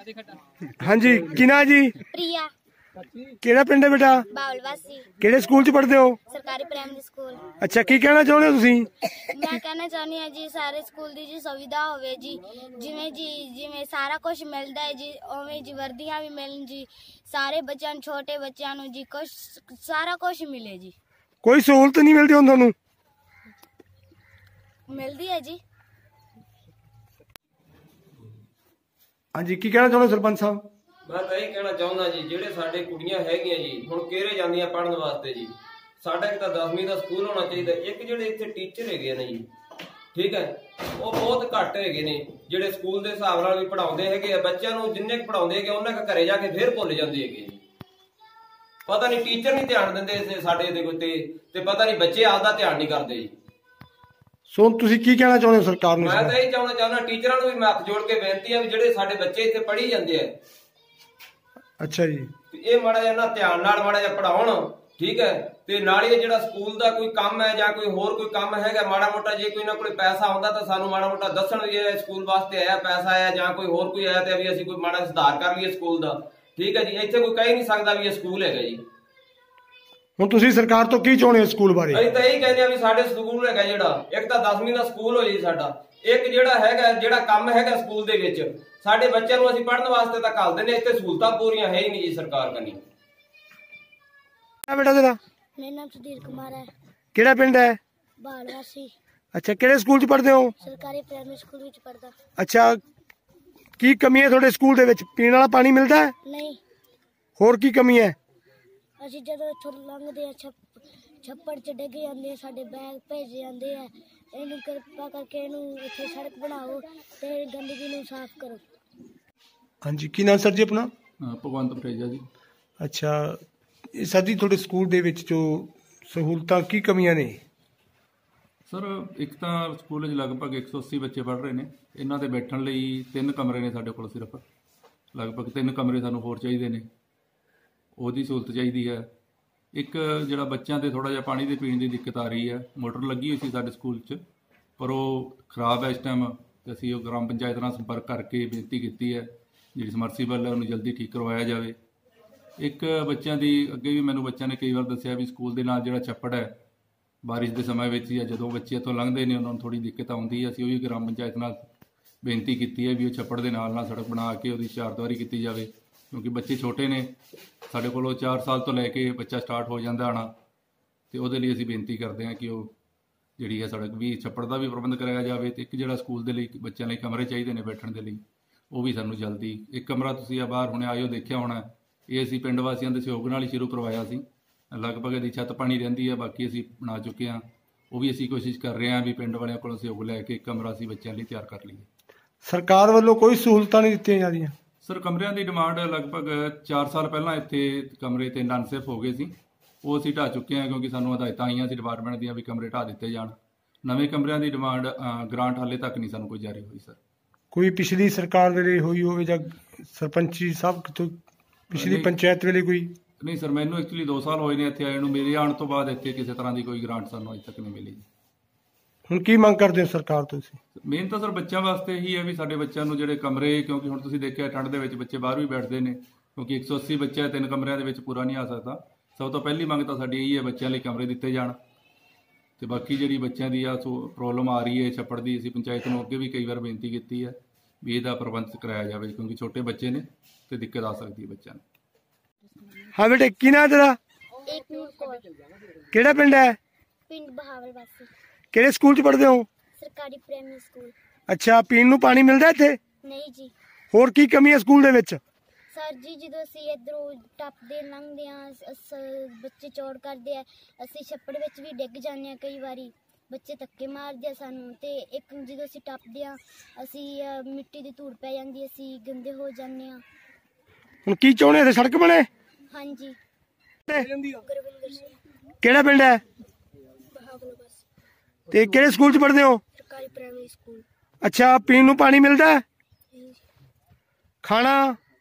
हाँ जी की ना जी प्रिया केड़ा पिंड है बेटा बावलवासी केड़े स्कूल च पढ़ते हो सरकारी प्राइमरी स्कूल। अच्छा की कहना चाਹੁੰਦੇ ਹੋ ਤੁਸੀਂ मैं कहना चाहनी हाँ जी सारे स्कूल दी जी सुविधा होवे जी जिवें सारा कुछ मिलता है जी उवें जी वर्दियां भी मिलन जी सारे बच्चों छोटे बच्चों नूं जी कुछ सारा कुछ मिले जी। कोई सहूलत नहीं मिलती ਹੁਣ ਤੁਹਾਨੂੰ मिलती है जी। हाँ जी की कहना चाਹੁੰਦੇ सरपंच साहब मैं तो यही कहना चाहूँगा जी जेडे साडे कुड़ियां हैगियां जी हुण केरे जांदियां पढ़न वास्ते जी साडा एक 10वीं का स्कूल होना चाहिए। एक जेडे इत्थे टीचर हैगे ने जी ठीक है वो बहुत घट हैगे ने जेडे स्कूल के हिसाब नाल भी पढ़ाउंदे हैगे बच्चों नूं जिन्ने क पढ़ाउंदे हैगे उन्ने क घरे जाके फिर भुल जांदे हैगे। पता नहीं टीचर नहीं ध्यान दिंदे साडे दे ते पता नहीं बच्चे आपदा ध्यान नहीं करदे जी। सो तुसी की कहना चाਹੁੰਦੇ हो सरकार ਨੂੰ? मैं तो यही चाहना टीचरां नूं भी मैं हत्थ जोड़ के बेनती है भी जेडे साडे बच्चे इत्थे पढ़ी जांदे है अच्छा जी ये माड़ा जिहा ना ध्यान नाल माड़ा जिहा पढ़ाउण ठीक है ते नाल ही जिहड़ा स्कूल दा कोई काम है जां कोई होर कोई काम हैगा माड़ा मोटा जे कोई ना कोई पैसा आउंदा तां सानू माड़ा मोटा दस्सण भी है स्कूल वास्ते आया पैसा आया जां कोई होर कोई आया ते भी असीं कोई माड़ा सुधार कर लईए स्कूल दा ठीक है जी। इत्थे कोई कह नहीं सकदा भी ये स्कूल हैगा जी। ਹੁਣ ਤੁਸੀਂ ਸਰਕਾਰ ਤੋਂ ਕੀ ਚਾਹੁੰਦੇ ਹੋ ਸਕੂਲ ਬਾਰੇ? ਅਸੀਂ ਤਾਂ ਇਹੀ ਕਹਿੰਦੇ ਆ ਵੀ ਸਾਡੇ ਸਕੂਲ ਹੈਗਾ ਜਿਹੜਾ ਇੱਕ ਤਾਂ 10ਵੀਂ ਦਾ ਸਕੂਲ ਹੋ ਜੀ ਸਾਡਾ ਇੱਕ ਜਿਹੜਾ ਹੈਗਾ ਜਿਹੜਾ ਕੰਮ ਹੈਗਾ ਸਕੂਲ ਦੇ ਵਿੱਚ ਸਾਡੇ ਬੱਚਿਆਂ ਨੂੰ ਅਸੀਂ ਪੜ੍ਹਨ ਵਾਸਤੇ ਤਾਂ ਘੱਲਦੇ ਨੇ ਇੱਥੇ ਸਹੂਲਤਾਂ ਪੂਰੀਆਂ ਹੈ ਹੀ ਨਹੀਂ ਜੀ ਸਰਕਾਰ ਕੰਨੀ। बेटा तेरा मेरा नाम सुधीर कुमार है केड़ा पिंड है? बावलवासी अच्छा केड़े स्कूल च पढ़ते हो? सरकारी प्राइमरी स्कूल विच पढ़दा। अच्छा की कमी है थोड़े स्कूल दे विच पीने वाला पानी मिलता है? नहीं होर की कमी है? ਅਸੀਂ ਜਦੋਂ ਇੱਥੋਂ ਲੰਘਦੇ ਆ ਛੱਪੜ ਚ ਡਿੱਗ ਜਾਂਦੇ ਆ ਸਾਡੇ ਬੈਗ ਭੇਜ ਜਾਂਦੇ ਆ ਇਹਨੂੰ ਕਿਰਪਾ ਕਰਕੇ ਇਹਨੂੰ ਇੱਥੇ ਸੜਕ ਬਣਾਓ ਤੇ ਗੰਦਗੀ ਨੂੰ ਸਾਫ਼ ਕਰੋ। हाँ जी की नाम सर जी अपना? ਭਗਵੰਤ ਫਰੇਜਾ ਜੀ। अच्छा सर जी थोड़े स्कूल दे विच जो सहूलतां की कमियां ने? ਸਰ ਇੱਕ ਤਾਂ ਸਕੂਲ 'ਚ ਲਗਭਗ 180 ਬੱਚੇ ਪੜ੍ਹ ਰਹੇ ਨੇ ਇਹਨਾਂ ਦੇ ਬੈਠਣ ਲਈ 3 ਕਮਰੇ ਨੇ ਸਾਡੇ ਕੋਲ ਸਿਰਫ ਲਗਭਗ 3 ਕਮਰੇ ਸਾਨੂੰ ਹੋਰ ਚਾਹੀਦੇ ਨੇ ਉਹਦੀ ਸਹੂਲਤ ਚਾਹੀਦੀ ਹੈ। ਇੱਕ ਜਿਹੜਾ ਬੱਚਿਆਂ ਦੇ ਥੋੜ੍ਹਾ ਜਿਹਾ ਪਾਣੀ ਦੇ ਪੀਣ ਦੀ ਦਿੱਕਤ ਆ ਰਹੀ ਹੈ ਮੋਟਰ ਲੱਗੀ ਹੋਈ ਸੀ ਸਾਡੇ ਸਕੂਲ 'ਚ ਪਰ ਉਹ ਖਰਾਬ ਹੈ ਇਸ ਟਾਈਮ ਤੇ ਅਸੀਂ ਉਹ ਗ੍ਰਾਮ ਪੰਚਾਇਤ ਨਾਲ ਸੰਪਰਕ ਕਰਕੇ ਬੇਨਤੀ ਕੀਤੀ ਹੈ ਜਿਹੜੀ ਸਮਰਸੀਬਲ ਹੈ ਉਹਨੂੰ ਜਲਦੀ ਠੀਕ ਕਰਵਾਇਆ ਜਾਵੇ। ਇੱਕ ਬੱਚਿਆਂ ਦੀ ਅੱਗੇ ਵੀ ਮੈਨੂੰ ਬੱਚਿਆਂ ਨੇ ਕਈ ਵਾਰ ਦੱਸਿਆ ਵੀ ਸਕੂਲ ਦੇ ਨਾਲ ਜਿਹੜਾ ਛੱਪੜ ਹੈ ਬਾਰਿਸ਼ ਦੇ ਸਮੇਂ ਵਿੱਚ ਜਾਂ ਜਦੋਂ ਬੱਚੇ ਇੱਥੋਂ ਲੰਘਦੇ ਨੇ ਉਹਨਾਂ ਨੂੰ ਥੋੜ੍ਹੀ ਦਿੱਕਤ ਆਉਂਦੀ ਹੈ। ਅਸੀਂ ਉਹ ਵੀ ਗ੍ਰਾਮ ਪੰਚਾਇਤ ਨਾਲ ਬੇਨਤੀ ਕੀਤੀ ਹੈ ਵੀ ਉਹ ਛੱਪੜ ਦੇ ਨਾਲ ਸੜਕ ਬਣਾ ਕੇ ਉਹਦੀ ਚਾਰਦੀਵਾਰੀ ਕੀਤੀ ਜਾਵੇ ਕਿਉਂਕਿ ਬੱਚੇ ਛੋਟੇ ਨੇ ਸਾਡੇ ਕੋਲੋਂ 4 ਸਾਲ ਤੋਂ ਲੈ ਕੇ ਬੱਚਾ ਸਟਾਰਟ ਹੋ ਜਾਂਦਾ ਆਉਣਾ ਤੇ ਉਹਦੇ ਲਈ ਅਸੀਂ ਬੇਨਤੀ ਕਰਦੇ ਹਾਂ ਕਿ ਉਹ ਜਿਹੜੀ ਹੈ ਸੜਕ ਵੀ ਛੱਪੜ ਦਾ ਵੀ ਪ੍ਰਬੰਧ ਕਰਾਇਆ ਜਾਵੇ ਤੇ ਇੱਕ ਜਿਹੜਾ ਸਕੂਲ ਦੇ ਲਈ ਬੱਚਿਆਂ ਲਈ ਕਮਰੇ ਚਾਹੀਦੇ ਨੇ ਬੈਠਣ ਦੇ ਲਈ ਉਹ ਵੀ ਸਾਨੂੰ ਜਲਦੀ ਇੱਕ ਕਮਰਾ ਤੁਸੀਂ ਆ ਬਾਹਰ ਹੁਣੇ ਆਇਓ ਦੇਖਿਆ ਹੋਣਾ ਇਹ ਅਸੀਂ ਪਿੰਡ ਵਾਸੀਆਂ ਦੇ ਸਹਿਯੋਗ ਨਾਲ ਹੀ ਸ਼ੁਰੂ ਕਰਵਾਇਆ ਸੀ ਲਗਭਗ ਇਹਦੀ ਛੱਤ ਪਾਣੀ ਰਹਿੰਦੀ ਹੈ ਬਾਕੀ ਅਸੀਂ ਬਣਾ ਚੁੱਕੇ ਹਾਂ ਉਹ ਵੀ ਅਸੀਂ ਕੋਸ਼ਿਸ਼ ਕਰ ਰਹੇ ਹਾਂ ਵੀ ਪਿੰਡ ਵਾਲਿਆਂ ਕੋਲੋਂ ਸਹਿਯੋਗ ਲੈ ਕੇ ਇੱਕ ਕਮਰਾ ਅਸੀਂ ਬੱਚਿਆਂ ਲਈ ਤਿਆਰ ਕਰ ਲਈਏ। ਸਰਕਾਰ ਵੱਲੋਂ ਕੋਈ ਸਹੂਲਤਾਂ ਨਹੀਂ ਦਿੱਤੀਆਂ ਜਾ ਰਹੀਆਂ? ਸਰ ਕਮਰਿਆਂ ਦੀ ਡਿਮਾਂਡ ਲਗਭਗ 4 ਸਾਲ ਪਹਿਲਾਂ ਇੱਥੇ ਕਮਰੇ 3 ਅਨਸੇਫ ਹੋ ਗਏ ਸੀ ਉਹ ਅਸੀਂ ਢਾਹ ਚੁੱਕੇ ਹਾਂ ਕਿਉਂਕਿ ਸਾਨੂੰ ਹਦਾਇਤਾਂ ਆਈਆਂ ਸੀ ਡਿਪਾਰਟਮੈਂਟ ਦੀਆਂ ਵੀ ਕਮਰੇ ਢਾਹ ਦਿੱਤੇ ਜਾਣ। ਨਵੇਂ ਕਮਰਿਆਂ ਦੀ ਡਿਮਾਂਡ ਗ੍ਰਾਂਟ ਹਾਲੇ ਤੱਕ ਨਹੀਂ ਸਾਨੂੰ ਕੋਈ ਜਾਰੀ ਹੋਈ ਸਰ। ਕੋਈ ਪਿਛਲੀ ਸਰਕਾਰ ਵੇਲੇ ਹੋਈ ਹੋਵੇ ਜਾਂ ਸਰਪੰਚੀ ਸਾਹਿਬ ਕਿਤੋਂ ਪਿਛਲੀ ਪੰਚਾਇਤ ਵੇਲੇ ਕੋਈ? ਨਹੀਂ ਸਰ ਮੈਨੂੰ ਐਕਚੁਅਲੀ 2 ਸਾਲ ਹੋਏ ਨੇ ਇੱਥੇ ਆਏ ਨੂੰ ਮੇਰੇ ਆਉਣ ਤੋਂ ਬਾਅਦ ਇੱਥੇ ਕਿਸੇ ਤਰ੍ਹਾਂ ਦੀ ਕੋਈ ਗ੍ਰਾਂਟ ਸਾਨੂੰ ਅਜੇ ਤੱਕ ਨਹੀਂ ਮਿਲੀ। ਹੁਣ ਕੀ ਮੰਗ ਕਰਦੇ ਹੋ ਸਰਕਾਰ ਤੋਂ ਤੁਸੀਂ? ਮੇਨ ਤਾਂ ਸਰ ਬੱਚਿਆਂ ਵਾਸਤੇ ਹੀ ਹੈ ਵੀ ਸਾਡੇ ਬੱਚਿਆਂ ਨੂੰ ਜਿਹੜੇ ਕਮਰੇ ਕਿਉਂਕਿ ਹੁਣ ਤੁਸੀਂ ਦੇਖਿਆ ਠੰਡ ਦੇ ਵਿੱਚ ਬੱਚੇ ਬਾਹਰ ਵੀ ਬੈਠਦੇ ਨੇ ਕਿਉਂਕਿ 180 ਬੱਚਾ 3 ਕਮਰਿਆਂ ਦੇ ਵਿੱਚ ਪੂਰਾ ਨਹੀਂ ਆ ਸਕਦਾ। ਸਭ ਤੋਂ ਪਹਿਲੀ ਮੰਗ ਤਾਂ ਸਾਡੀ ਇਹੀ ਹੈ ਬੱਚਿਆਂ ਲਈ ਕਮਰੇ ਦਿੱਤੇ ਜਾਣ ਤੇ ਬਾਕੀ ਜਿਹੜੀ ਬੱਚਿਆਂ ਦੀ ਆ ਪ੍ਰੋਬਲਮ ਆ ਰਹੀ ਹੈ ਛੱਪੜ ਦੀ ਅਸੀਂ ਪੰਚਾਇਤ ਨੂੰ ਅੱਗੇ ਵੀ ਕਈ ਵਾਰ ਬੇਨਤੀ ਕੀਤੀ ਹੈ ਵੀ ਇਹਦਾ ਪ੍ਰਬੰਧ ਕਰਾਇਆ ਜਾਵੇ ਕਿਉਂਕਿ ਛੋਟੇ ਬੱਚੇ ਨੇ ਤੇ ਦਿੱਕਤ ਆ ਸਕਦੀ ਹੈ ਬੱਚਿਆਂ ਨੂੰ। हाँ बेटे की नाम तेरा? केड़ा पिंड है? पिंड बहावलवासी। केड़े स्कूल च पढ़दे हो? सरकारी प्राइमरी स्कूल। अच्छा पीण नूं पानी मिलदा इत्थे? नहीं जी। होर की कमी है स्कूल दे विच? सर जी ਜਦੋਂ ਅਸੀਂ ਇਧਰੋਂ ਟੱਪਦੇ ਲੰਘਦੇ ਆ ਬੱਚੇ ਚੌੜ ਕਰਦੇ ਆ ਅਸੀਂ ਛੱਪੜ ਵਿੱਚ ਵੀ ਡਿੱਗ ਜਾਂਦੇ ਆ ਕਈ ਵਾਰੀ ਬੱਚੇ ਧੱਕੇ ਮਾਰਦੇ ਆ ਸਾਨੂੰ ਤੇ ਇੱਕ ਜਦੋਂ ਅਸੀਂ ਟੱਪਦੇ ਆ ਅਸੀਂ ਮਿੱਟੀ ਦੀ ਧੂੜ ਪੈ ਜਾਂਦੀ ਅਸੀਂ ਗੰਦੇ ਹੋ ਜਾਂਦੇ ਆ। ਹੁਣ ਕੀ ਚਾਹੁੰਦੇ ਇੱਥੇ ਸੜਕ ਬਣੇ? ਹਾਂਜੀ। ਕਿਹੜਾ ਪਿੰਡ ਹੈ? ਤੇ ਕਿਹੜੇ ਸਕੂਲ ਚ ਪੜ੍ਹਦੇ ਹੋ? ਸਰਕਾਰੀ ਪ੍ਰਾਇਮਰੀ ਸਕੂਲ। ਅੱਛਾ ਪੀਣ ਨੂੰ ਪਾਣੀ ਮਿਲਦਾ? ਖਾਣਾ